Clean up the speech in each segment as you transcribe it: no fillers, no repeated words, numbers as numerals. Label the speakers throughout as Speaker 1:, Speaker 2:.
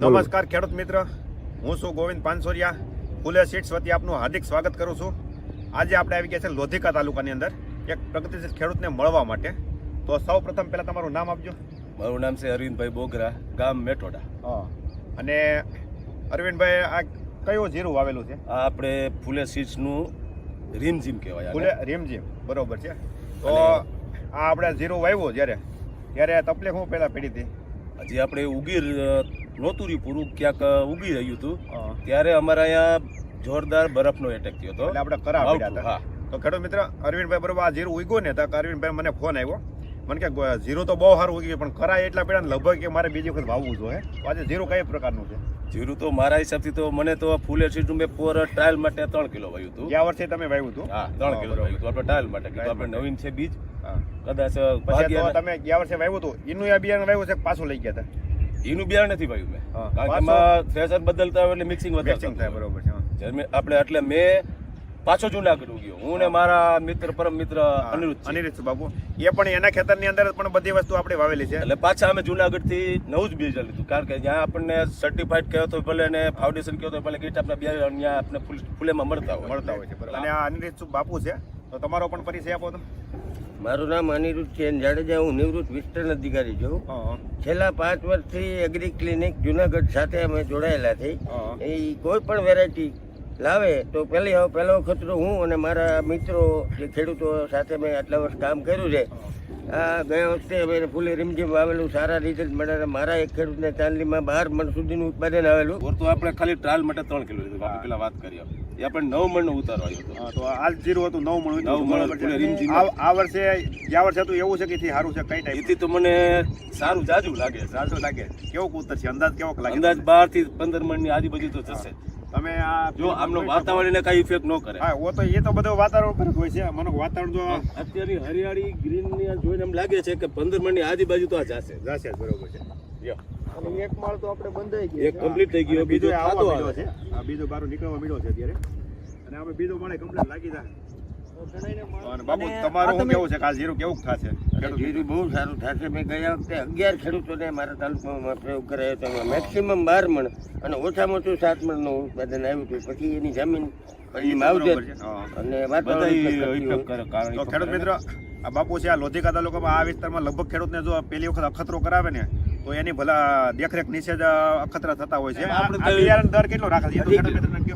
Speaker 1: નમસ્કાર ખેડૂત મિત્ર, હું છું ગોવિંદ પાનસોરિયા. ફૂલે સીડ્સ વતી આપનું હાર્દિક સ્વાગત કરું છું. આજે આપણે આવી ગયા છે લોધિકા તાલુકાની અંદર એક પ્રગતિશીલ ખેડૂતને મળવા માટે. તો સૌ પ્રથમ પહેલાં તમારું નામ આપજો.
Speaker 2: મારું નામ છે અરવિંદભાઈ બોગરા, ગામ મેટોડા.
Speaker 1: અને અરવિંદભાઈ, આ કયું જીરું વાવેલું છે?
Speaker 2: આ આપણે ફૂલે સીડ્સનું રીમઝીમ કહેવાય.
Speaker 1: ફૂલે રીમઝીમ, બરોબર છે. તો આ આપણે જીરું વાવ્યું ત્યારે તકલીફ હું પહેલાં પડી હતી?
Speaker 2: હજી આપણે ઉગી નહોતું રહ્યું પૂરું, ક્યાંક ઉગી રહ્યું હતું ત્યારે અમારા અહીંયા જોરદાર બરફનો એટેક થયો હતો.
Speaker 1: એટલે આપણે કરા પડ્યા હતા. તો ખેડૂત મિત્ર અરવિંદભાઈ, બરોબર, આ જીરું ઉગ્યું ને તો અરવિંદભાઈ મને ફોન આવ્યો, મને કે જીરું તો બહુ સારું ઉગ્યું પણ કરાય એટલા પડ્યા ને લગભગ કે મારે બીજી વખત વાવવું જોઈએ. આજે જીરું કઈ પ્રકારનું છે?
Speaker 2: જીરું તો મારા હિસાબથી તો મને તો ફૂલે સીડનું મેં પર ટ્રાયલ માટે 3 કિલો વાવ્યું હતું.
Speaker 1: ગયા વર્ષે તમે વાવ્યું હતું?
Speaker 2: હા, 3 કિલો વાવ્યું હતું આપણે ટ્રાયલ માટે. આપણે નવીન છે બીજ, કદાચ
Speaker 1: તમે ગયા વર્ષે વાવ્યું હતું એનું આ બિયારણ વાવ્યું છે પાછું લઈ ગયા હતા?
Speaker 2: એનું બિયારણ નથી વાવ્યું મેં, કારણ કે એમાં થ્રેશર બદલતા હોય એટલે મિક્સિંગ વધારે
Speaker 1: થાય. બરોબર છે.
Speaker 2: આપણે એટલે મેં પાછો જુનાગઢ ઉગ્યો, હું ને મારા મિત્ર પરમ મિત્ર
Speaker 1: અનિરુદ્ધ બાબુ, એ પણ એના ખેતરની અંદર પણ બધી વસ્તુ આપણે વાવેલી છે.
Speaker 2: એટલે પાછા અમે જુનાગઢ થી નવું જ બીજ લીધું, કારણ કે જ્યાં આપણને સર્ટિફાઈડ કહ્યો તો ભલે ને ફાઉન્ડેશન કહ્યો તો ભલે કીટ આપણા બિયારણ ત્યાં આપણે ફૂલેમાં મળતા હોય છે.
Speaker 1: અને આ અનિરુદ્ધ બાપુ છે, તો તમારો પણ પરિચય આપો તો.
Speaker 3: મારું નામ અનિરુદ્ધ છે જાડેજા, હું નિવૃત્ત વિસ્તરણ અધિકારી છું. છેલ્લા 5 વર્ષથી એગ્રી ક્લિનિક જુનાગઢ સાથે અમે જોડાયેલા થઈ. એ કોઈ પણ વેરાયટી લાવે તો પહેલો વખત હું અને મારા મિત્રો જે ખેડૂતો સાથે મેં આટલા વર્ષ કામ કર્યું છે. આ ગયા વખતે અમે ફૂલે રીમઝીમ વાવેલું, સારા રિઝલ્ટ મળ્યા. મારા એક ખેડૂતને ચાંદલીમાં 12 મણ સુધીનું ઉત્પાદન આવેલું.
Speaker 2: તો આપણે ખાલી ટ્રાયલ માટે 3 કિલો લીધું, પેલા વાત કરીએ એ આપણે 9 મણનો ઉતારો આવ્યો હતો.
Speaker 1: તો આ જીરું હતું 9 મણ. આ વર્ષે ગયા વર્ષે હતું એવું છે કે સારું છે? કઈ ટાઈપ
Speaker 2: એથી તો મને સારું જાજુ લાગે.
Speaker 1: કેવો ઉતર છે? અંદાજ કેવો લાગે?
Speaker 2: અંદાજ 12 થી 15 મણની આજુબાજુ તો જશે.
Speaker 1: તમે આ
Speaker 2: જો આમનો વાતાવરણને કઈ ઇફેક્ટ ન કરે.
Speaker 1: હા, એ તો બધું વાતાવરણ પર હોય છે. મને વાતાવરણ જો
Speaker 2: અત્યારે હરિયાળી ગ્રીન ની જોઈને એમ લાગે છે કે 15 મણની આજુબાજુ તો આ જશે.
Speaker 1: બરોબર છે.
Speaker 3: એક માળ તો આપણે બંધાઈ ગયો,
Speaker 2: એક કમ્પ્લીટ થઈ ગયો, બીજો
Speaker 1: આવતો આવ્યો છે. આ બીજો બારો નીકળવા મળ્યો છે અત્યારે, અને આપણે બીજો મળે કમ્પ્લીટ લાગી જાય. બાપુ, તમારું શું કેવું છે કે આ જીરું કેવું થશે?
Speaker 3: જીરું બહુ સારું થશે. મેં ગયા વખતે 11 ખેડૂતોને મારા તાલુકામાં પ્રયોગ કરાયો હતો. મેક્સિમમ 12 મણ અને ઓછામાં ઓછું 7 મણનું ઉત્પાદન આવ્યું હતું. પછી એની જમીન માવજત અને વાતાવરણ.
Speaker 1: ખેડૂત મિત્ર, આ બાપુ છે, આ લોધિકા તાલુકામાં આ વિસ્તારમાં લગભગ ખેડૂતને જો પહેલી વખત અખતરો કરાવે ને તો એની ભલા દેખરેખ નીચે જ અખતરા થતા હોય છે. બિયારણ દર કેટલો રાખે છે ખેડૂત મિત્રને કહો?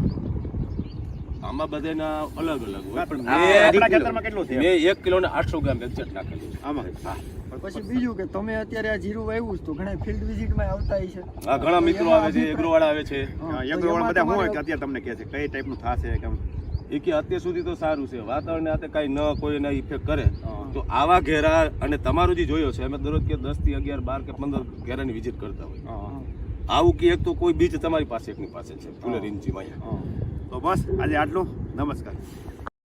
Speaker 2: આમાં બધાના અલગ અલગ હોય, પણ
Speaker 1: આપણા ખેતરમાં કેટલું છે?
Speaker 2: મેં 1 કિલો ને 800 ગ્રામ એક્ઝેક્ટ નાખેલું છે
Speaker 1: આમાં.
Speaker 4: પછી બીજું કે તમે અત્યારે આ જીરું વાવ્યું તો ઘણા ફિલ્ડ વિઝિટમાં આવતા હશે.
Speaker 2: હા, ઘણા મિત્રો આવે છે, એગ્રો વાળા આવે છે.
Speaker 1: એગ્રો વાળા બધા શું હોય કે અત્યારે તમને કહે છે કઈ ટાઈપનું થશે કેમ?
Speaker 2: એ કે અત્યાર સુધી તો સારું છે, વાતાવરણ આતે કઈ ન કોઈ એના ઇફેક્ટ કરે તો આવા ઘેરા. અને તમારું જે જોયો છે, અમે દરરોજ કે 10 થી 11 12 કે 15 ઘેરાની વિઝિટ કરતા હોય. આવું કે એક તો કોઈ બીજ તમારી પાસે એકની પાસે છે ફૂલે રીમઝીમ અહીંયા.
Speaker 1: તો બસ આજે આટલું. નમસ્કાર.